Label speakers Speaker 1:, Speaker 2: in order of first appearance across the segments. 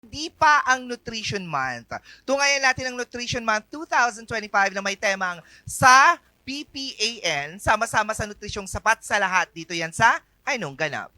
Speaker 1: Di pa ang Nutrition Month. Tungayan natin ang Nutrition Month 2025 na may temang sa PPAN, sama-sama sa nutrisyong sapat sa lahat. Dito yan sa Anong Ganap.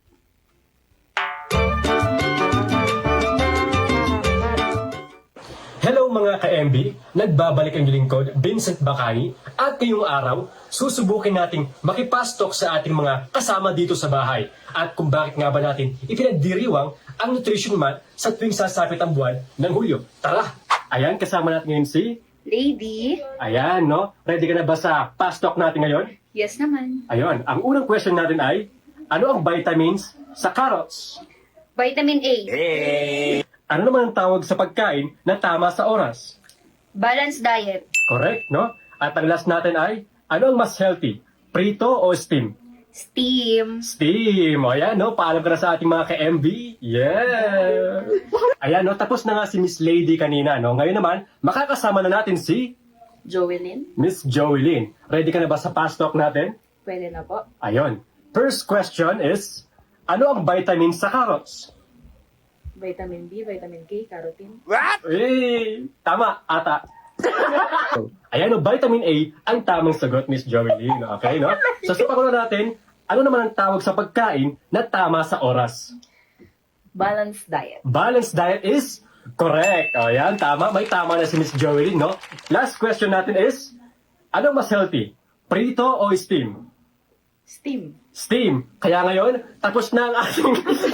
Speaker 2: Hello mga ka-MB! Nagbabalik ang lingkod, Vincent Bacani, at ngayong araw, susubukin nating makipastok sa ating mga kasama dito sa bahay. At kung bakit nga ba natin ipinagdiriwang ang Nutrition Month sa tuwing sasapit ang buwan ng Hulyo. Tara! Ayan, kasama natin ngayon si...
Speaker 3: Lady?
Speaker 2: Ayan, no? Ready ka na ba sa pastok natin ngayon?
Speaker 3: Yes naman.
Speaker 2: Ayun, ang unang question natin ay, ano ang vitamins sa carrots?
Speaker 3: Vitamin A.
Speaker 2: Ano naman ang tawag sa pagkain na tama sa oras?
Speaker 3: Balanced diet.
Speaker 2: Correct, no? At ang last natin ay, ano ang mas healthy? Prito o steam?
Speaker 3: Steam.
Speaker 2: Steam! O yan, no? Paalam ka na sa ating mga ka-MB. Yeah! Ayan, no? Tapos na nga si Miss Lady kanina, no? Ngayon naman, makakasama na natin si
Speaker 3: Joelyn?
Speaker 2: Miss Joelyn. Ready ka na ba sa fast talk natin?
Speaker 3: Pwede na po.
Speaker 2: Ayun. First question is, ano ang vitamin sa carrots?
Speaker 3: Vitamin B, vitamin K, carotene.
Speaker 1: What?
Speaker 2: Eh, tama, ata. Ayan, no, vitamin A ang tamang sagot, Miss Joelyn. Okay, no? So, sa pakulo natin, ano naman ang tawag sa pagkain na tama sa oras?
Speaker 3: Balanced diet.
Speaker 2: Balanced diet is correct. O, yan, tama. May tama na si Miss Joelyn, no? Last question natin is, ano mas healthy? Prito o steam?
Speaker 3: Steam.
Speaker 2: Steam. Kaya ngayon, tapos na ang ating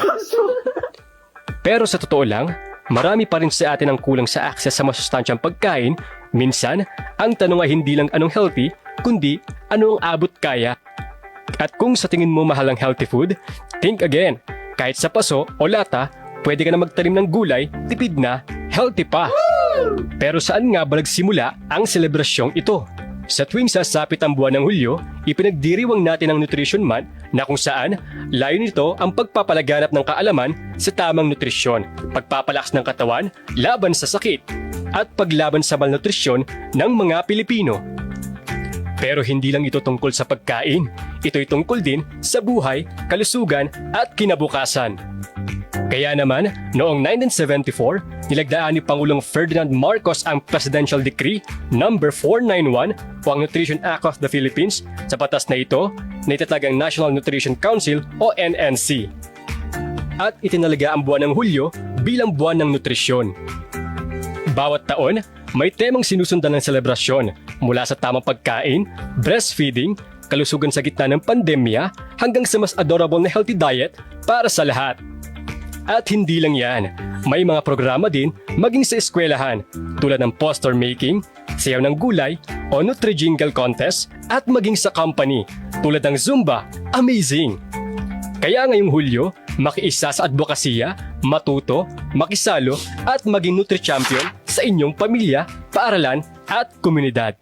Speaker 2: Pero sa totoo lang, marami pa rin sa atin ang kulang sa access sa masustansyang pagkain. Minsan, ang tanong ay hindi lang anong healthy, kundi ano ang abot kaya. At kung sa tingin mo mahal ang healthy food, think again. Kahit sa paso o lata, pwede ka na magtanim ng gulay, tipid na, healthy pa. Pero saan nga ba nagsimula ang selebrasyong ito? Sa tuwing sasapit ang buwan ng Hulyo, ipinagdiriwang natin ang Nutrition Month na kung saan layon nito ang pagpapalaganap ng kaalaman sa tamang nutrisyon, pagpapalakas ng katawan laban sa sakit, at paglaban sa malnutrisyon ng mga Pilipino. Pero hindi lang ito tungkol sa pagkain, ito'y tungkol din sa buhay, kalusugan at kinabukasan. Kaya naman, noong 1974, nilagdaan ni Pangulong Ferdinand Marcos ang Presidential Decree No. 491 o ang Nutrition Act of the Philippines. Sa batas na ito, na itatag ang National Nutrition Council o NNC. At itinalaga ang buwan ng Hulyo bilang buwan ng nutrisyon. Bawat taon, may temang sinusundan ng selebrasyon mula sa tamang pagkain, breastfeeding, kalusugan sa gitna ng pandemya, hanggang sa mas adorable na healthy diet para sa lahat. At hindi lang yan, may mga programa din maging sa eskwelahan tulad ng poster making, sayaw ng gulay o Nutri-Jingle contest at maging sa company tulad ng Zumba. Amazing! Kaya ngayong Hulyo, makiisa sa advokasya, matuto, makisalo at maging Nutri-Champion sa inyong pamilya, paaralan at komunidad.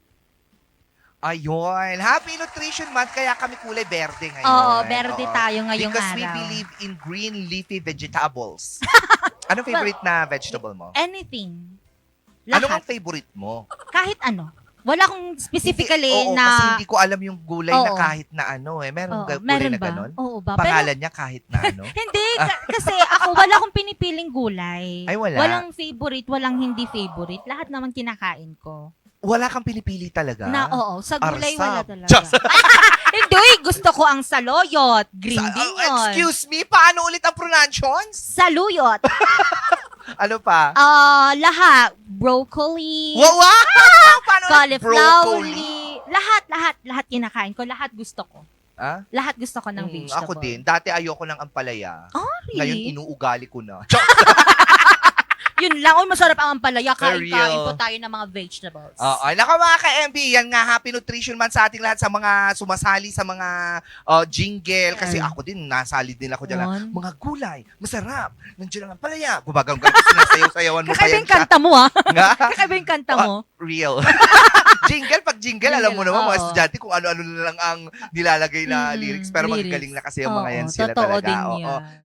Speaker 1: Ayun. Happy Nutrition Month, kaya kami kulay berde ngayon.
Speaker 4: Oo, berde tayo ngayong
Speaker 1: Because we
Speaker 4: araw.
Speaker 1: believe in green leafy vegetables. Anong favorite na vegetable mo?
Speaker 4: Anything.
Speaker 1: Anong
Speaker 4: Lahat.
Speaker 1: ang favorite mo?
Speaker 4: Kahit ano. Wala akong specifically
Speaker 1: Oo,
Speaker 4: na...
Speaker 1: kasi hindi ko alam yung gulay na
Speaker 4: Oo.
Speaker 1: kahit na ano eh. Meron
Speaker 4: Oo,
Speaker 1: gulay
Speaker 4: meron
Speaker 1: na
Speaker 4: ba?
Speaker 1: ganon?
Speaker 4: Oo ba?
Speaker 1: Pangalan niya kahit na ano?
Speaker 4: Hindi, kasi ako wala akong pinipiling gulay.
Speaker 1: Ay, wala.
Speaker 4: Walang favorite, walang hindi favorite. Lahat naman kinakain ko.
Speaker 1: Wala kang pinipili talaga?
Speaker 4: Oo, sa gulay
Speaker 1: Arsab.
Speaker 4: wala talaga.
Speaker 1: Just-
Speaker 4: Hindi, gusto ko ang saluyot. Green din yun.
Speaker 1: Excuse me, paano ulit ang pronunciations?
Speaker 4: Saluyot.
Speaker 1: Ano pa?
Speaker 4: Lahat. Broccoli.
Speaker 1: Wow! Paano ulit
Speaker 4: Cauliflower.
Speaker 1: broccoli?
Speaker 4: Lahat kinakain ko. Lahat gusto ko.
Speaker 1: Ah?
Speaker 4: Lahat gusto ko ng vegetable.
Speaker 1: Ako din. Dati ayoko ng ampalaya.
Speaker 4: Ari.
Speaker 1: Ngayon, inuugali ko na.
Speaker 4: Yun lang. Uy, masarap ang ampalaya.
Speaker 1: For
Speaker 4: Kain-kain
Speaker 1: real.
Speaker 4: po tayo ng mga vegetables.
Speaker 1: Oo. Naka mga ka-MB, yan nga, Happy Nutrition Month sa ating lahat, sa mga sumasali sa mga jingle. Kasi ako din, nasali din ako dyan.
Speaker 4: On.
Speaker 1: Mga gulay, masarap. Nandiyan lang ang palaya. Gumagang sinasayaw-sayawan mo pa
Speaker 4: Kakaiba
Speaker 1: yan
Speaker 4: yung kanta mo, ha?
Speaker 1: Nga?
Speaker 4: Kakaiba yung kanta mo.
Speaker 1: Real. Pag jingle, alam mo naman, mga
Speaker 4: oo.
Speaker 1: estudyante, kung ano-ano na lang ang nilalagay na lyrics. Pero
Speaker 4: lyrics.
Speaker 1: magagaling na kasi yung mga yan
Speaker 4: Oo,
Speaker 1: sila
Speaker 4: totoo
Speaker 1: talaga.
Speaker 4: din
Speaker 1: Oo.
Speaker 4: yan.